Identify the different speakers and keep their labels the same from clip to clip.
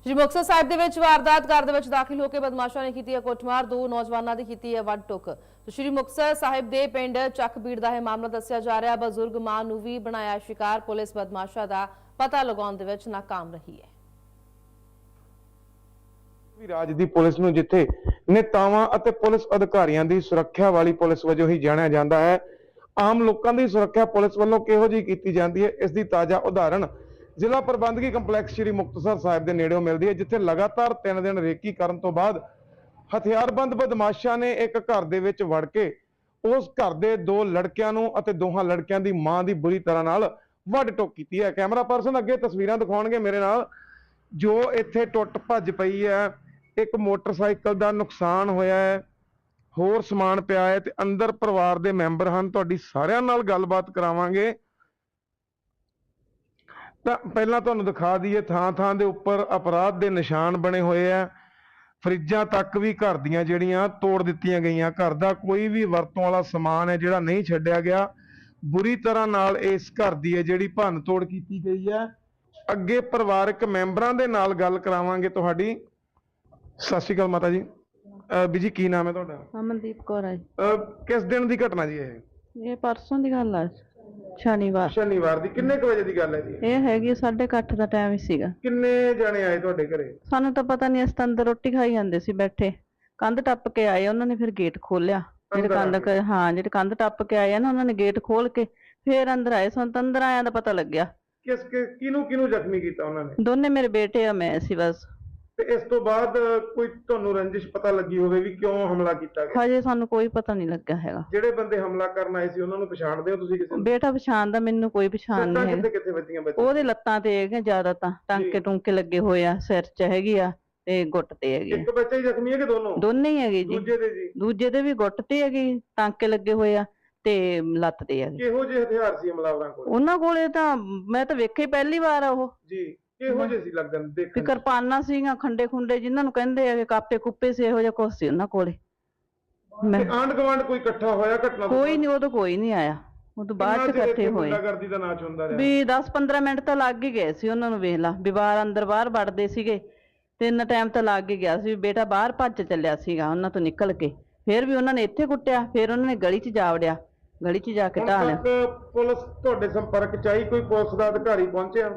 Speaker 1: श्री मुक्तसर साहिब दे विच वारदात घर दे विच दाखिल होकर बदमाशों ने की है कुटमार, दो नौजवानों की की है वड टुक। तो श्री मुक्तसर साहिब दे पिंड चकबीड़ का यह मामला दस्सिया जा रहा। बजुर्ग मां नूं भी बनाया शिकार, पुलिस बदमाशों का पता लगाउण दे विच नाकाम रही है।
Speaker 2: राज दी पुलिस नूं जिथे नेतावां अते पुलिस अधिकारियों की सुरक्षा वाली पुलिस वजों ही जाणिया जाता है, आम लोगों की सुरक्षा पुलिस वालों किहो जी की जाती है, इसकी ताज़ा उदाहरण जिला प्रबंधकी कंपलैक्स श्री मुक्तसर साहिब के नेड़े मिलती है, जिथे लगातार 3 दिन रेकी करन तो बाद हथियारबंद बदमाशों ने एक घर दे विच वड़ के उस घर के 2 लड़कियां नूं अते दोहां लड़कियां दी मां दी बुरी तरह नाल वड टुक की है। कैमरा पर्सन अगे तस्वीरां दिखाउणगे मेरे नाल, जो इत्थे टुट भज पई है। एक मोटरसाइकिल का नुकसान होया है, होर समान पिया है ते अंदर परिवार के मैंबर हैं। तुहाडी सारियां नाल गलबात करावांगे। तां पहलां तुहानूं दिखा दईए थां थां दे उपर अपराध के निशान बने हुए हैं। फ्रिजां तक भी घर दीयां जिहड़ियां तोड़ दित्तियां गईयां। घर का कोई भी वरतों वाला समान है जिहड़ा नहीं छड्डिया गया, बुरी तरह नाल इस घर दी है जिहड़ी भन्न तोड़ कीती गई है। अगे परिवारक मैंबरां दे नाल गल करावांगे तुहाडी। सत श्री अकाल माता जी। बीजी की नाम है तुहाडा?
Speaker 3: अमनदीप कौर है।
Speaker 2: किस दिन की घटना जी?
Speaker 3: ये परसों की गल है, शनिवार।
Speaker 2: शनिवार दी किन्ने क वजे दी गल है जी?
Speaker 3: ये हैगी 8:30 ਦਾ ਟਾਈਮ ਹੀ ਸੀਗਾ।
Speaker 2: किन्ने जाने आए ਤੁਹਾਡੇ ਘਰੇ?
Speaker 3: ਸਾਨੂੰ ਤਾਂ ਪਤਾ ਨਹੀਂ, ਅਸੀਂ ਤਾਂ ਅੰਦਰ ਰੋਟੀ ਖਾਈ ਜਾਂਦੇ ਸੀ ਬੈਠੇ। ਕੰਧ ਟੱਪ ਕੇ ਆਏ, ਉਹਨਾਂ ਨੇ ਫਿਰ ਗੇਟ ਖੋਲਿਆ। ਜਿਹੜੇ ਕੰਧ ਟੱਪ ਕੇ ਆਏ ਆ ਨਾ, ਉਹਨਾਂ ਨੇ ਗੇਟ ਖੋਲ ਕੇ ਫਿਰ ਅੰਦਰ ਆਏ। ਸਾਨੂੰ ਤਾਂ ਅੰਦਰ ਆਇਆਂ ਦਾ ਪਤਾ ਲੱਗਿਆ।
Speaker 2: ਕਿਹਨੂੰ ਕਿਹਨੂੰ ਜ਼ਖਮੀ ਕੀਤਾ ਉਹਨਾਂ ਨੇ?
Speaker 3: ਦੋਨੇ ਮੇਰੇ ਬੇਟੇ ਆ, ਮੈਂ ਸੀ ਬਸ।
Speaker 2: ਤੇ ਇਸ ਤੋਂ ਬਾਅਦ ਕੋਈ ਤੁਹਾਨੂੰ ਰੰਜਿਸ਼ ਪਤਾ ਲੱਗੀ ਹੋਵੇ ਵੀ ਕਿਉਂ ਹਮਲਾ ਕੀਤਾ ਗਿਆ?
Speaker 3: ਹਜੇ ਸਾਨੂੰ ਕੋਈ ਪਤਾ ਨਹੀਂ ਲੱਗਾ ਹੈਗਾ।
Speaker 2: ਜਿਹੜੇ ਬੰਦੇ ਹਮਲਾ ਕਰਨ ਆਏ ਸੀ ਉਹਨਾਂ ਨੂੰ ਪਛਾਣਦੇ ਹੋ ਤੁਸੀਂ ਕਿਸੇ ਨੂੰ?
Speaker 3: ਬੇਟਾ ਪਛਾਣਦਾ, ਮੈਨੂੰ ਕੋਈ ਪਛਾਣ ਨਹੀਂ ਹੈ।
Speaker 2: ਕਿੱਥੇ ਵੱਜੀਆਂ ਬੱਚੇ?
Speaker 3: ਉਹਦੇ ਲੱਤਾਂ ਤੇ ਹੈਗੇ ਜ਼ਿਆਦਾ, ਤਾਂ ਟਾਂਕੇ ਟੂੰਕੇ ਲੱਗੇ ਹੋਏ ਆ, ਸਿਰ 'ਚ ਹੈਗੀ ਆ ਤੇ ਗੁੱਟ ਤੇ ਹੈਗੀ।
Speaker 2: ਇੱਕ ਬੱਚਾ ਹੀ ਜ਼ਖਮੀ ਹੈ ਕਿ ਦੋਨੋਂ?
Speaker 3: ਦੋਨੇ ਹੀ ਹੈਗੇ ਜੀ।
Speaker 2: ਦੂਜੇ ਦੇ ਜੀ?
Speaker 3: ਦੂਜੇ ਦੇ ਵੀ ਗੁੱਟ ਤੇ ਹੈਗੀ, ਟਾਂਕੇ ਲੱਗੇ ਹੋਏ ਆ ਤੇ ਲੱਤ ਤੇ ਹੈਗੀ।
Speaker 2: ਕਿਹੋ ਜਿਹੇ ਹਥਿਆਰ ਸੀ ਹਮਲਾਵਰਾਂ ਕੋਲ?
Speaker 3: ਉਹਨਾਂ ਕੋਲੇ ਤਾਂ ਮੈਂ ਤਾਂ ਵੇਖੇ ਪਹਿਲੀ ਵਾਰ ਆ ਉਹ
Speaker 2: ਜੀ। ਕਿਹੋ ਜਿਹੇ ਸੀ ਲੱਗਣ
Speaker 3: ਤੇ
Speaker 2: ਦੇਖਣ?
Speaker 3: ਕਿਰਪਾਨਾਂ ਸੀਗੀਆਂ, ਖੰਡੇ ਖੁੰਡੇ ਜਿਨ੍ਹਾਂ ਨੂੰ ਕਹਿੰਦੇ ਆ, ਕਾਪੇ ਕੁੱਪੇ ਸੀ, ਇਹੋ ਜਿਹਾ ਕੁਛ ਸੀ ਉਹਨਾਂ ਕੋਲੇ। ਮੈਂ
Speaker 2: ਆਂਢ ਗੁਆਂਢ ਕੋਈ ਇਕੱਠਾ ਹੋਇਆ ਘਟਨਾ?
Speaker 3: ਕੋਈ ਨਹੀਂ, ਉਦੋਂ ਕੋਈ ਨਹੀਂ ਆਇਆ। ਉਦੋਂ ਬਾਅਦ ਚ ਇਕੱਠੇ ਹੋਏ
Speaker 2: ਗੁੰਡਾਗਰਦੀ ਦਾ ਨਾਚ ਹੁੰਦਾ ਰਿਹਾ
Speaker 3: ਵੀ 10-15 ਮਿੰਟ ਤਾਂ ਲੱਗ ਹੀ ਗਏ ਸੀ ਉਹਨਾਂ ਨੂੰ। ਵੇਖ ਲਾ ਵੀ ਬਾਹਰ ਅੰਦਰ ਬਾਹਰ ਵੜਦੇ ਸੀਗੇ ਤੇ ਇੰਨਾ ਟਾਈਮ ਤਾਂ ਲੱਗ ਹੀ ਗਿਆ ਸੀ। ਬੇਟਾ ਬਾਹਰ ਭੱਜ ਚੱਲਿਆ ਸੀਗਾ ਉਹਨਾਂ ਤੋਂ ਨਿਕਲ ਕੇ, ਫਿਰ ਵੀ ਉਹਨਾਂ ਨੇ ਇੱਥੇ ਕੁੱਟਿਆ, ਫਿਰ ਉਹਨਾਂ ਨੇ ਗਲੀ 'ਚ ਜਾ ਵੜਿਆ, ਗਲੀ 'ਚ ਜਾ ਕੇ ਢਾਹ ਲਿਆ।
Speaker 2: ਪੁਲਿਸ ਤੁਹਾਡੇ ਸੰਪਰਕ 'ਚ ਆਈ? ਕੋਈ ਪੁਲਿਸ ਦਾ ਅਧਿਕਾਰੀ ਪਹੁੰਚਿਆ?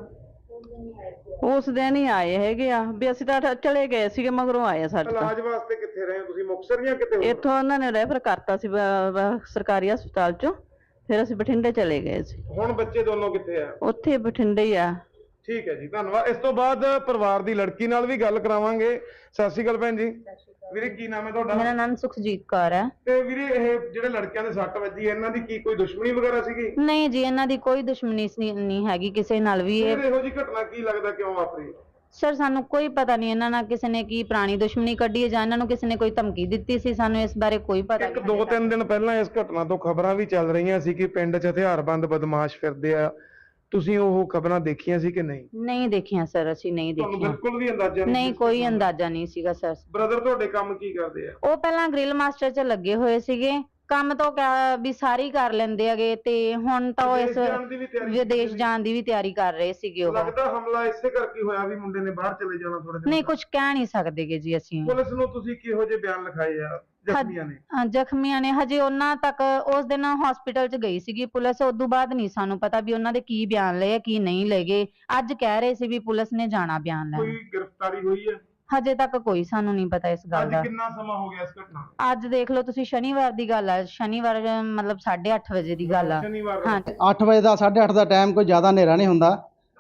Speaker 3: ਉਸ ਦਿਨ ਹੀ ਆਏ ਹੈਗੇ ਆ ਵੀ ਅਸੀਂ ਤਾਂ ਚਲੇ ਗਏ ਸੀਗੇ, ਮਗਰੋਂ ਆਏ ਆ ਸਾਡੇ ਤਾਂ।
Speaker 2: ਇਲਾਜ ਵਾਸਤੇ ਕਿੱਥੇ ਰਹੇ ਹੋ ਤੁਸੀਂ? ਮੁਕਤਸਰ ਜਾਂ ਕਿਤੇ ਹੋਰ?
Speaker 3: ਇੱਥੋਂ ਉਹਨਾਂ ਨੇ ਰੈਫਰ ਕਰਤਾ ਸੀ ਸਰਕਾਰੀ ਹਸਪਤਾਲ 'ਚੋਂ, ਫਿਰ ਅਸੀਂ ਬਠਿੰਡੇ ਚਲੇ ਗਏ ਸੀ।
Speaker 2: ਹੁਣ ਬੱਚੇ ਦੋਨੋਂ ਕਿੱਥੇ ਆ?
Speaker 3: ਉੱਥੇ ਬਠਿੰਡੇ ਹੀ ਆ।
Speaker 2: ਠੀਕ ਹੈ ਜੀ, ਧੰਨਵਾਦ। ਇਸ ਤੋਂ ਬਾਅਦ ਪਰਿਵਾਰ ਦੀ ਲੜਕੀ ਨਾਲ ਵੀ ਗੱਲ ਕਰਾਵਾਂਗੇ। ਸਤਿ ਸ਼੍ਰੀ ਅਕਾਲ ਭੈਣ ਜੀ। ਵੀਰੇ ਕੀ ਨਾਮ ਹੈ ਤੁਹਾਡਾ?
Speaker 4: ਮੇਰਾ ਨਾਮ ਸੁਖਜੀਤ ਕੌਰ ਹੈ।
Speaker 2: ਤੇ ਵੀਰੇ ਇਹ ਜਿਹੜੇ ਲੜਕਿਆਂ ਦੇ ਸੱਟ ਵੱਜੀ ਹੈ, ਇਹਨਾਂ ਦੀ ਕੀ ਕੋਈ ਦੁਸ਼ਮਣੀ ਵਗੈਰਾ ਸੀਗੀ?
Speaker 4: ਨਹੀਂ ਜੀ, ਇਹਨਾਂ ਦੀ ਕੋਈ ਦੁਸ਼ਮਣੀ ਨਹੀਂ ਹੈਗੀ ਕਿਸੇ ਨਾਲ ਵੀ। ਇਹ
Speaker 2: ਇਹੋ ਜੀ ਘਟਨਾ ਕੀ ਲੱਗਦਾ ਕਿਉਂ ਵਾਪਰੀ?
Speaker 4: ਸਰ ਸਾਨੂੰ ਕੋਈ ਪਤਾ ਨਹੀਂ ਇਹਨਾਂ ਨਾਲ ਕਿਸੇ ਨੇ ਕੀ ਪੁਰਾਣੀ ਦੁਸ਼ਮਣੀ ਕੱਢੀ ਹੈ ਜਾਂ ਇਹਨਾਂ ਨੂੰ ਕਿਸੇ ਨੇ ਕੋਈ ਧਮਕੀ ਦਿੱਤੀ ਸੀ, ਸਾਨੂੰ ਇਸ ਬਾਰੇ ਕੋਈ ਪਤਾ ਨਹੀਂ।
Speaker 2: 2-3 ਦਿਨ ਪਹਿਲਾਂ ਇਸ ਘਟਨਾ ਤੋਂ ਖਬਰਾਂ ਵੀ ਚੱਲ ਰਹੀਆਂ ਸੀ ਕਿ ਪਿੰਡ 'ਚ ਹਥਿਆਰਬੰਦ ਬਦਮਾਸ਼ ਫਿਰਦੇ ਆ। ਤੁਸੀਂ ਉਹ ਖਬਰਾਂ ਦੇਖੀਆਂ ਸੀ ਕਿ ਨਹੀਂ?
Speaker 4: ਨਹੀਂ ਦੇਖੀਆਂ ਸਰ, ਅਸੀਂ ਨਹੀਂ
Speaker 2: ਤੁਹਾਨੂੰ
Speaker 4: ਦੇਖੀਆਂ।
Speaker 2: ਬਿਲਕੁਲ ਵੀ ਅੰਦਾਜ਼ਾ
Speaker 4: ਨਹੀਂ, ਕੋਈ ਅੰਦਾਜ਼ਾ ਨਹੀਂ ਸੀਗਾ ਸਰ।
Speaker 2: ਬ੍ਰਦਰ ਤੁਹਾਡੇ ਕੰਮ ਕੀ ਕਰਦੇ ਆ?
Speaker 4: ਉਹ ਪਹਿਲਾਂ ਗ੍ਰਿਲ ਮਾਸਟਰ 'ਚ ਲੱਗੇ ਹੋਏ ਸੀਗੇ, ਕੰਮ ਤੋਂ ਵੀ ਸਾਰੀ ਕਰ ਲੈਂਦੇ ਹੈਗੇ, ਤੇ ਹੁਣ ਤਾਂ ਉਹ ਇਸ ਵਿਦੇਸ਼ ਜਾਣ ਦੀ ਵੀ ਤਿਆਰੀ ਕਰ ਰਹੇ ਸੀਗੇ। ਉਹ
Speaker 2: ਲੱਗਦਾ ਹਮਲਾ ਇਸੇ ਕਰਕੇ ਹੋਇਆ ਵੀ ਮੁੰਡੇ ਨੇ ਬਾਹਰ ਚਲੇ ਜਾਣਾ ਥੋੜੇ ਦਿਨ?
Speaker 4: ਨਹੀਂ, ਕੁਝ ਕਹਿ ਨਹੀਂ ਸਕਦੇਗੇ ਜੀ ਅਸੀਂ।
Speaker 2: ਪੁਲਿਸ ਨੂੰ ਤੁਸੀਂ ਕਿਹੋ ਜਿਹੇ ਬਿਆਨ ਲਿਖਾਏ ਆ ਜ਼ਖਮੀਆਂ ਨੇ?
Speaker 4: ਜ਼ਖਮੀਆਂ ਨੇ ਹਜੇ ਉਹਨਾਂ ਤੱਕ ਉਸ ਦਿਨ ਹਸਪੀਟਲ 'ਚ ਗਈ ਸੀਗੀ ਪੁਲਿਸ, ਉਦੋਂ ਬਾਅਦ ਨਹੀਂ ਸਾਨੂੰ ਪਤਾ ਵੀ ਉਹਨਾਂ ਦੇ ਕੀ ਬਿਆਨ ਲਏ ਕੀ ਨਹੀਂ ਲਏ। ਅੱਜ ਕਹਿ ਰਹੇ ਸੀ ਵੀ ਪੁਲਿਸ ਨੇ ਜਾਣਾ ਬਿਆਨ ਲੈਣ।
Speaker 2: ਕੋਈ ਗ੍ਰਿਫਤਾਰੀ ਹੋਈ ਹੈ?
Speaker 4: ਹਜੇ ਤੱਕ ਕੋਈ ਸਾਨੂੰ ਨਹੀਂ ਪਤਾ ਇਸ ਗੱਲ ਦਾ।
Speaker 2: ਅੱਜ ਕਿੰਨਾ ਸਮਾਂ ਹੋ ਗਿਆ ਇਸ ਘਟਨਾ?
Speaker 4: ਅੱਜ ਦੇਖ ਲਓ ਤੁਸੀਂ, ਸ਼ਨੀਵਾਰ ਦੀ ਗੱਲ ਹੈ। ਸ਼ਨੀਵਾਰ ਮਤਲਬ 8:30 ਵਜੇ ਦੀ ਗੱਲ ਆ।
Speaker 2: ਹਾਂ,
Speaker 5: 8 ਵਜੇ ਦਾ 8:30 ਦਾ ਟਾਈਮ ਕੋਈ ਜ਼ਿਆਦਾ ਹਨੇਰਾ ਨਹੀਂ ਹੁੰਦਾ।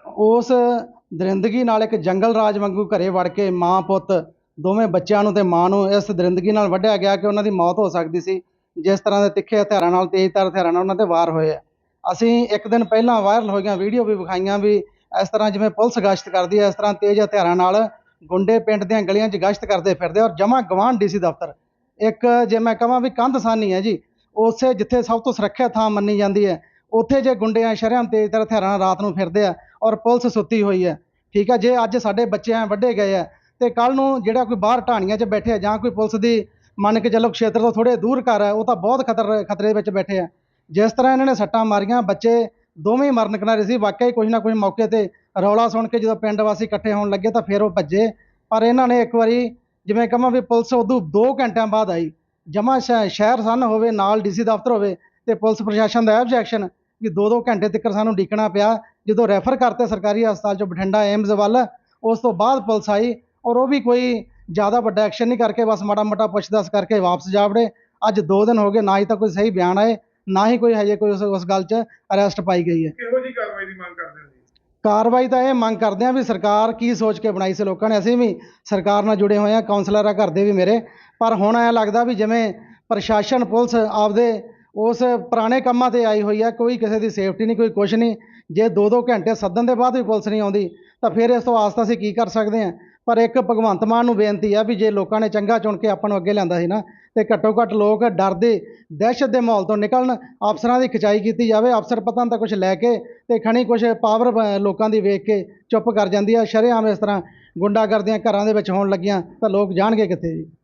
Speaker 5: ਉਸ ਦਰਿੰਦਗੀ ਨਾਲ ਇੱਕ ਜੰਗਲ ਰਾਜ ਵਾਂਗੂ ਘਰੇ ਵੜ ਕੇ ਮਾਂ ਪੁੱਤ ਦੋਵੇਂ ਬੱਚਿਆਂ ਨੂੰ ਤੇ ਮਾਂ ਨੂੰ ਇਸ ਦਰਿੰਦਗੀ ਨਾਲ ਵੱਢਿਆ ਗਿਆ ਕਿ ਉਹਨਾਂ ਦੀ ਮੌਤ ਹੋ ਸਕਦੀ ਸੀ। ਜਿਸ ਤਰ੍ਹਾਂ ਦੇ ਤਿੱਖੇ ਹਥਿਆਰਾਂ ਨਾਲ, ਤੇਜ਼ਧਾਰ ਹਥਿਆਰਾਂ ਨਾਲ ਉਹਨਾਂ ਤੇ ਵਾਰ ਹੋਏ ਆ। ਅਸੀਂ ਇੱਕ ਦਿਨ ਪਹਿਲਾਂ ਵਾਇਰਲ ਹੋਈਆਂ ਵੀਡੀਓ ਵੀ ਵਿਖਾਈਆਂ ਵੀ ਇਸ ਤਰ੍ਹਾਂ ਜਿਵੇਂ ਪੁਲਿਸ ਗਸ਼ਤ ਕਰਦੀ ਹੈ, ਇਸ ਤਰ੍ਹਾਂ ਤੇਜ਼ ਹਥਿਆਰਾਂ ਨਾਲ ਗੁੰਡੇ ਪਿੰਡ ਦੀਆਂ ਗਲੀਆਂ 'ਚ ਗਸ਼ਤ ਕਰਦੇ ਫਿਰਦੇ। ਔਰ ਜਮਾਂ ਗਵਾਂਢ ਡੀਸੀ ਦਫ਼ਤਰ ਇੱਕ, ਜੇ ਮੈਂ ਕਹਾਂ ਵੀ ਕੰਧ ਸਾਨੀ ਹੈ ਜੀ, ਉਸੇ ਜਿੱਥੇ ਸਭ ਤੋਂ ਸੁਰੱਖਿਅਤ ਥਾਂ ਮੰਨੀ ਜਾਂਦੀ ਹੈ, ਉੱਥੇ ਜੇ ਗੁੰਡੇ ਸ਼ਰੇਆਮ ਤੇਜ਼ਧਾਰ ਹਥਿਆਰਾਂ ਨਾਲ ਰਾਤ ਨੂੰ ਫਿਰਦੇ ਆ ਔਰ ਪੁਲਿਸ ਸੁੱਤੀ ਹੋਈ ਹੈ। ਠੀਕ ਹੈ, ਜੇ ਅੱਜ ਸਾਡੇ ਬੱਚੇ ਵੱਢੇ ਗਏ ਆ ਤੇ ਕੱਲ ਨੂੰ ਜਿਹੜਾ ਕੋਈ ਬਾਹਰ ਢਾਣੀਆਂ 'ਚ ਬੈਠੇ ਆ ਜਾਂ ਕੋਈ ਪੁਲਿਸ ਦੀ ਮੰਨ ਕੇ ਚੱਲੋ ਖੇਤਰ ਤੋਂ ਥੋੜੇ ਦੂਰ ਘਰ ਹੈ, ਉਹ ਤਾਂ ਬਹੁਤ ਖਤਰੇ ਵਿੱਚ ਬੈਠੇ ਆ। ਜਿਸ ਤਰ੍ਹਾਂ ਇਹਨਾਂ ਨੇ ਸੱਟਾਂ ਮਾਰੀਆਂ, ਬੱਚੇ ਦੋਵੇਂ ਮਰਨ ਕਿਨਾਰੇ ਸੀ। ਵਾਕਿਆ ਹੀ ਕੁਝ ਨਾ ਕੁਝ ਮੌਕੇ ਤੇ ਰੌਲਾ ਸੁਣ ਕੇ ਜਦੋਂ ਪਿੰਡ ਵਾਸੀ ਇਕੱਠੇ ਹੋਣ ਲੱਗੇ ਤਾਂ ਫਿਰ ਉਹ ਭੱਜੇ। ਪਰ ਇਹਨਾਂ ਨੇ ਇੱਕ ਵਾਰੀ ਜਿਵੇਂ ਕਹਾਂ ਵੀ ਪੁਲਿਸ ਉਦੋਂ 2 ਘੰਟਿਆਂ ਬਾਅਦ ਆਈ। ਜਮਾ ਸ਼ਹਿਰ ਸੰਨ ਹੋਵੇ, ਨਾਲ ਡੀਸੀ ਦਫ਼ਤਰ ਹੋਵੇ, ਤੇ ਪੁਲਿਸ ਪ੍ਰਸ਼ਾਸਨ ਦਾ ਆਬਜੈਕਸ਼ਨ ਕਿ 2-2 ਘੰਟੇ ਤੱਕ ਸਾਨੂੰ ਉਡੀਕਣਾ ਪਿਆ। ਜਦੋਂ ਰੈਫਰ ਕਰਤੇ ਸਰਕਾਰੀ ਹਸਪਤਾਲ 'ਚੋਂ ਬਠਿੰਡਾ ਏਮਜ਼ ਵੱਲ, ਉਸ ਤੋਂ ਬਾਅਦ ਪੁਲਿਸ ਆਈ ਔਰ ਉਹ ਵੀ ਕੋਈ ਜ਼ਿਆਦਾ ਵੱਡਾ ਐਕਸ਼ਨ ਨਹੀਂ ਕਰਕੇ ਬਸ ਮਾੜਾ ਮੋਟਾ ਪੁੱਛ-ਦੱਸ ਕਰਕੇ ਵਾਪਸ ਜਾ ਵੜੇ। ਅੱਜ 2 ਦਿਨ ਹੋ ਗਏ, ਨਾ ਹੀ ਤਾਂ ਕੋਈ ਸਹੀ ਬਿਆਨ ਆਏ, ਨਾ ਹੀ ਕੋਈ ਹਜੇ ਕੋਈ ਉਸ ਗੱਲ 'ਚ ਅਰੈਸਟ ਪਾਈ ਗਈ ਹੈ।
Speaker 2: ਕਿਹੋ ਜੀ ਕਾਰਵਾਈ ਦੀ ਮੰਗ ਕਰਦੇ ਹੋ ਜੀ?
Speaker 5: ਕਾਰਵਾਈ ਤਾਂ ਇਹ ਮੰਗ ਕਰਦੇ ਹਾਂ ਵੀ ਸਰਕਾਰ ਕੀ ਸੋਚ ਕੇ ਬਣਾਈ ਸੀ ਲੋਕਾਂ ਨੇ। ਅਸੀਂ ਵੀ ਸਰਕਾਰ ਨਾਲ ਜੁੜੇ ਹੋਏ ਹਾਂ, ਕਾਉਂਸਲਰ ਆ ਘਰ ਦੇ ਵੀ ਮੇਰੇ, ਪਰ ਹੁਣ ਐਂ ਲੱਗਦਾ ਵੀ ਜਿਵੇਂ ਪ੍ਰਸ਼ਾਸਨ ਪੁਲਿਸ ਆਪਦੇ ਉਸ ਪੁਰਾਣੇ ਕੰਮਾਂ 'ਤੇ ਆਈ ਹੋਈ ਹੈ। ਕੋਈ ਕਿਸੇ ਦੀ ਸੇਫਟੀ ਨਹੀਂ, ਕੋਈ ਕੁਛ ਨਹੀਂ। ਜੇ 2-2 ਘੰਟੇ ਸੱਦਣ ਦੇ ਬਾਅਦ ਵੀ ਪੁਲਿਸ ਨਹੀਂ ਆਉਂਦੀ ਤਾਂ ਫਿਰ ਇਸ ਤੋਂ ਆਸ ਤਾਂ ਅਸੀਂ ਕੀ ਕਰ ਸਕਦੇ ਹਾਂ। ਪਰ ਇੱਕ ਭਗਵੰਤ ਮਾਨ ਨੂੰ ਬੇਨਤੀ ਆ ਵੀ ਜੇ ਲੋਕਾਂ ਨੇ ਚੰਗਾ ਚੁਣ ਕੇ ਆਪਾਂ ਨੂੰ ਅੱਗੇ ਲਿਆਂਦਾ ਸੀ ਨਾ, ਤੇ ਘੱਟੋ ਘੱਟ ਲੋਕ ਡਰਦੇ ਦਹਿਸ਼ਤ ਦੇ ਮਾਹੌਲ ਤੋਂ ਨਿਕਲਣ। ਅਫਸਰਾਂ ਦੀ ਖਿਚਾਈ ਕੀਤੀ ਜਾਵੇ। ਅਫਸਰ ਪਤਾ ਨਹੀਂ ਤਾਂ ਕੁਛ ਲੈ ਕੇ ਤੇ ਖਣੀ ਕੁਛ ਪਾਵਰ ਲੋਕਾਂ ਦੀ ਵੇਖ ਕੇ ਚੁੱਪ ਕਰ ਜਾਂਦੀ ਆ। ਸ਼ਰੇਆਮ ਇਸ ਤਰ੍ਹਾਂ ਗੁੰਡਾਗਰਦੀਆਂ ਘਰਾਂ ਦੇ ਵਿੱਚ ਹੋਣ ਲੱਗੀਆਂ ਤਾਂ ਲੋਕ ਜਾਣਗੇ ਕਿੱਥੇ ਜੀ।